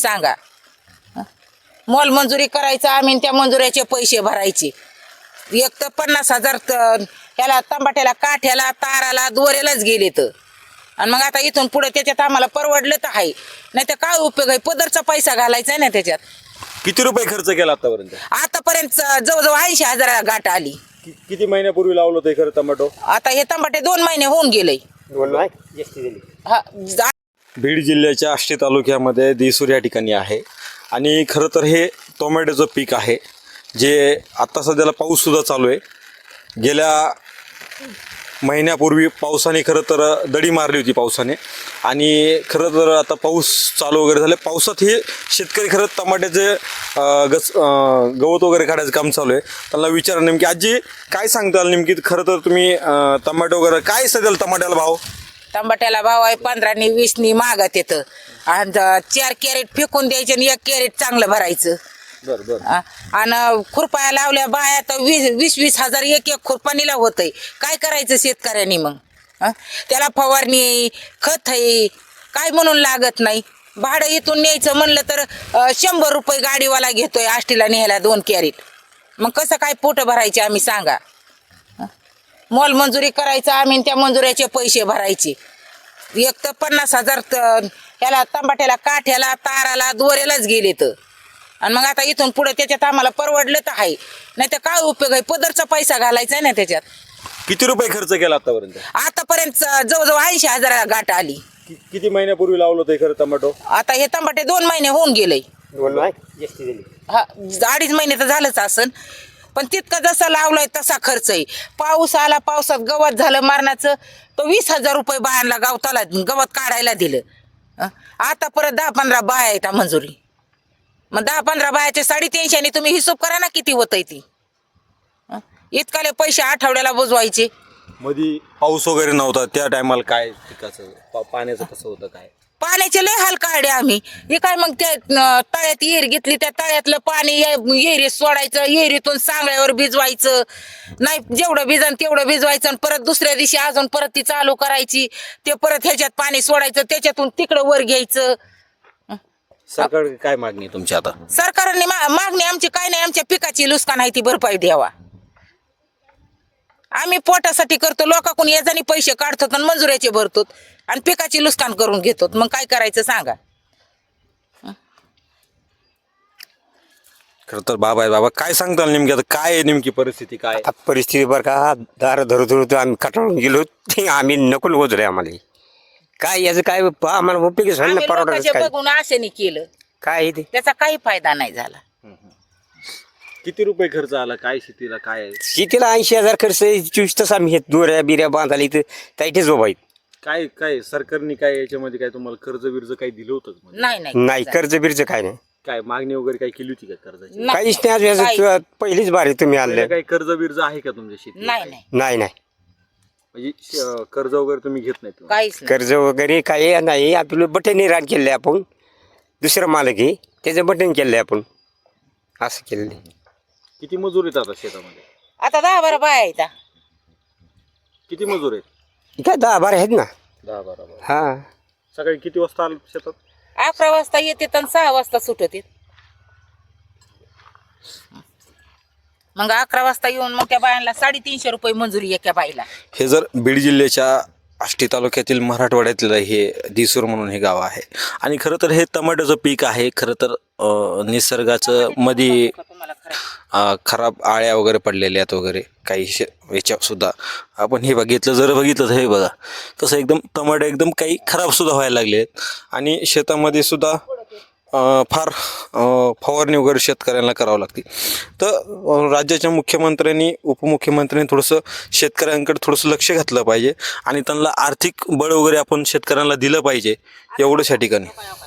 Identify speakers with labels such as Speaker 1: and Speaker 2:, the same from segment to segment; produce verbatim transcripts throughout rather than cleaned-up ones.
Speaker 1: सांगा मोल मंजुरी करायचं आम्ही त्या मंजुऱ्याचे पैसे भरायचे एक तर पन्नास हजार ह्याला तंबाट्याला काठ्याला ताराला दोऱ्यालाच गेले तर आणि मग आता इथून पुढे त्याच्यात आम्हाला परवडलं तर आहे नाही तर काय उपयोग आहे पदरचा पैसा घालायचा आहे ना त्याच्यात.
Speaker 2: किती रुपये खर्च केला आतापर्यंत?
Speaker 1: आतापर्यंत जवळजवळ ऐंशी हजाराला गाठ आली.
Speaker 2: कि- किती महिन्यापूर्वी लावलं होतं हे खरं टमाटो?
Speaker 1: आता हे तंबाटे दोन महिने होऊन गेले. हा जा-
Speaker 2: बीड जिल्ह्याच्या आष्टी तालुक्यामध्ये दिसूर या ठिकाणी आहे आणि खरं तर हे टोमॅटोचं पीक आहे जे आत्ता सध्याला पाऊससुद्धा चालू आहे. गेल्या महिन्यापूर्वी पावसाने खरं तर दडी मारली होती पावसाने आणि खरं तर आता पाऊस चालू वगैरे झाले. पावसात हे शेतकरी खरं टमाट्याचे अं, गस अं, गवत वगैरे काढायचं काम चालू आहे. त्यांना विचारा नेमकी आजी काय सांगताल नेमकी खरं तर तुम्ही अं, टमाटो वगैरे काय सध्याला टमाट्याला भाव?
Speaker 1: टमाट्याला भाव आहे पंधरानी वीसनी मागत येतं आणि चार कॅरेट फेकून द्यायचे आणि एक कॅरेट चांगलं भरायचं.
Speaker 2: बरं बरं
Speaker 1: आ- आणि खुरपाया लावल्या बाया तर वीस वीस वीस हजार एक एक खुरपानीला होतंय. काय करायचं शेतकऱ्यांनी मग? आ? त्याला फवारणी आहे, खत आहे, काय म्हणून लागत नाही. भाडं इथून न्यायचं म्हणलं तर अ, शंभर रुपये गाडीवाला घेतोय आष्टीला न्यायला दोन कॅरेट. मग कसं काय पोट भरायचे आम्ही सांगा? आ? मोल मंजुरी करायचं आम्ही त्या मंजुऱ्याचे पैसे भरायचे एक तर पन्नास हजार ह्याला तंबाट्याला काठ्याला ताराला दोऱ्यालाच गेले तर आणि मग आता इथून पुढे त्याच्यात आम्हाला परवडलं तर आहे नाही तर काय उपयोग आहे पदरचा पैसा घालायचा आहे ना त्याच्यात.
Speaker 2: किती रुपये खर्च केला आतापर्यंत?
Speaker 1: आतापर्यंत जवळजवळ ऐंशी हजाराला गाठ आली.
Speaker 2: कि- किती महिन्यापूर्वी लावलं होतं हे खरं टमाटो?
Speaker 1: आता हे तंबाटे दोन महिने होऊन गेले. हा अडीच महिने तर झालंच असन पण तितका जसा लावलाय तसा खर्च आहे. पाऊस आला पावसात गवत झालं मारण्याचं तो वीस हजार रुपये बायांना गावताला गवत काढायला दिलं. अं? आता परत दहा पंधरा बाया आहेत मंजुरी मग दहा पंधरा बायाचे साडेतीनशे आणि तुम्ही हिशोब करा ना किती होत आहे ती. अं? इतकाले पैसे आठवड्याला बुजवायचे.
Speaker 2: मध्ये पाऊस वगैरे नव्हता त्या टायमाला काय पिकाचं पा- पाण्याचं कसं होतं काय?
Speaker 1: पाण्याचे लय हाल काढले आम्ही. हे काय मग त्या अं, तळ्यात येर घेतली त्या तळ्यातलं पाणी येरी सोडायचं येरीतून सांगळ्यावर भिजवायचं नाही जेवढं भिजन तेवढं भिजवायचं आणि परत दुसऱ्या दिवशी अजून परत ती चालू करायची ते परत ह्याच्यात पाणी सोडायचं त्याच्यातून तिकडं वर घ्यायचं.
Speaker 2: सरकार काय मागणी आहे तुमची आता?
Speaker 1: सरकारने मा- मागणी आमची काय नाही आमच्या पिकाची नुकसान आहे ती भरपाई द्यावा. आम्ही पोटासाठी करतो लोकांकडून याच्याने पैसे काढतो आणि मंजुऱ्याचे भरतो आणि पिकाची नुकसान करून घेतो मग काय करायचं सांगा?
Speaker 2: खरं तर बाबा आहे बाबा काय सांगताल नेमकी आता काय आहे नेमकी परिस्थिती काय?
Speaker 3: आता परिस्थिती बरं का दार धरू धरू आम्ही कटाळून गेलो ते आम्ही नको होतो आम्हाला काय याचं काय पहा आम्हाला उपयोगच होईल ना
Speaker 1: आम्ही
Speaker 3: परवडायचं
Speaker 1: लोकांच्या
Speaker 3: काय
Speaker 1: बघून आशेने केलं
Speaker 3: काय आहे ते
Speaker 1: त्याचा काही फायदा नाही झाला.
Speaker 2: किती रुपये खर्च आला काय शेतीला काय आहे?
Speaker 3: शेतीला ऐंशी हजार खर्च आहे, चोवीस तास आम्ही हे दोऱ्या बिऱ्या बांधायला इथं त्याइथेच उभा आहेत.
Speaker 2: काय काय सरकारने काय याच्यामध्ये काय तुम्हाला कर्ज बिर्ज काही दिलं होतं का मध्ये?
Speaker 1: नाही नाही
Speaker 3: नाही कर्ज बिर्ज काय नाही
Speaker 2: काय मागणी वगैरे काही केली होती का कर्जाची?
Speaker 1: नाही.
Speaker 3: काहीच नाही आज
Speaker 1: काही-
Speaker 3: याचं पहिलीच बारी तुम्ही आणले
Speaker 2: काही कर्ज बिर्ज आहे का तुमच्या शेती?
Speaker 1: नाही नाही
Speaker 3: नाही नाही
Speaker 2: म्हणजे श- कर्ज वगैरे तुम्ही घेत नाही तुम्ही?
Speaker 1: काहीच नाही.
Speaker 3: कर्ज वगैरे काय नाही आपलं बटन रान केले आपण दुसरं मालक आहे त्याचं बटन केलंय आपण असं केलेलं आहे.
Speaker 2: किती मजूर आहेत आता शेतामध्ये?
Speaker 1: आता दहा बारा बाया आहेत.
Speaker 2: किती मजूर आहेत?
Speaker 3: काय दहा बारा आहेत ना
Speaker 2: दहा बारा बारा.
Speaker 3: हा
Speaker 2: सकाळी किती वाजता आलं शेतात?
Speaker 1: अकरा वाजता येते आणि सहा वाजता सुटत मग अकरा वाजता येऊन मग त्या बायांना साडेतीनशे रुपये मंजुरी एका बाईला.
Speaker 2: हे जर बीड जिल्ह्याच्या आष्टी तालुक्यातील मराठवाड्यातलं हे दिसूर म्हणून हे गाव आहे आणि खरं तर हे टमाट्याचं पीक आहे. खरं तर अं, निसर्गाचं मध्ये
Speaker 1: तुम्हाला खरं
Speaker 2: अं, खराब आळ्या वगैरे पडलेल्या आहेत वगैरे काही शे याच्यात सुद्धा आपण हे बघितलं जर बघितलं तर हे बघा तसं एकदम टमाटे एकदम काही खराब सुद्धा व्हायला लागले आहेत आणि शेतामध्ये सुद्धा अं, फार अं, फवारणी वगैरे शेतकऱ्यांना करावं लागते. तर अं, राज्याच्या मुख्यमंत्र्यांनी उपमुख्यमंत्र्यांनी थोडंसं शेतकऱ्यांकडे थोडंसं लक्ष घातलं पाहिजे आणि त्यांना आर्थिक बळ वगैरे आपण शेतकऱ्यांना दिलं पाहिजे एवढंच या ठिकाणी.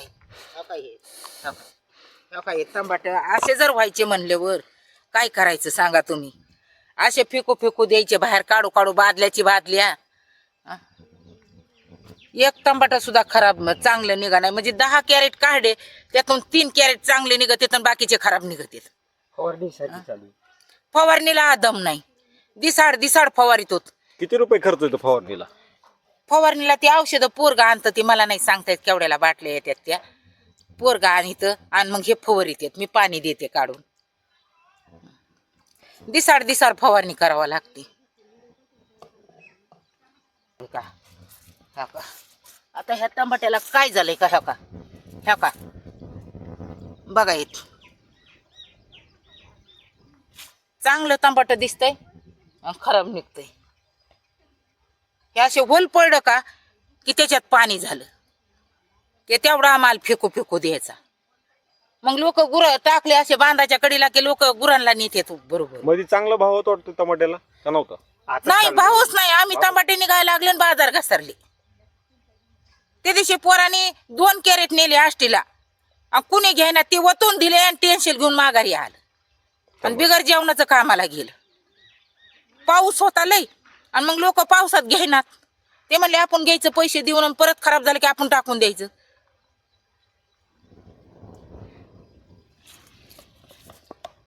Speaker 1: तंबाट असे जर व्हायचे म्हणल्यावर काय करायचं सांगा तुम्ही? असे फेकू फेकू द्यायचे बाहेर काढू काढू बादल्याची बादल्या. अं? एक टमाटा सुद्धा खराब म- चांगलं निघा नाही म्हणजे दहा कॅरेट काढले त्यातून तीन कॅरेट चांगले निघत आणि बाकीचे खराब निघत फवारणीला दम नाही. दिसाड दिसाड फवारीत होत.
Speaker 2: किती रुपये खर्च येतो फवारणीला?
Speaker 1: फवारणीला ती औषधं पोरगा आणतं ती मला नाही सांगता येत केवढ्याला बाटल्या येतात त्या पोरगा आणीत आणि मग हे फवारीत येत मी पाणी देते काढून. दिसाड दिसाड फवारणी करावं लागते का. ह्या का आता ह्या टमाट्याला काय झालंय का. ह्या का ह्या का बघा येत चांगलं टमाट दिसतंय आणि खराब निघतंय. हे असे होल पडलं का की त्याच्यात पाणी झालं की तेवढा माल फेकू फेकू द्यायचा. मग लोक गुर टाकले असे बांधाच्या कडीला की लोक गुरांना नेत येतो बरोबर.
Speaker 2: मध्ये चांगला भाव होता वाटतं टमाट्याला का नव्हता?
Speaker 1: नाही भाऊच नाही. आम्ही टमाटे निघायला लागले आणि बाजार घसरले. त्या दिवशी पोराने दोन कॅरेट नेले आष्टीला आणि कुणी घ्यायना ते वतून दिले आणि टेन्शन घेऊन माघारी आलं आणि बिगर जेवणाचं कामाला गेलं. पाऊस होता लय आणि मग लोक पावसात घेईनात. ते म्हणले आपण घ्यायचं पैसे देऊन आणि परत खराब झालं की आपण टाकून द्यायचं.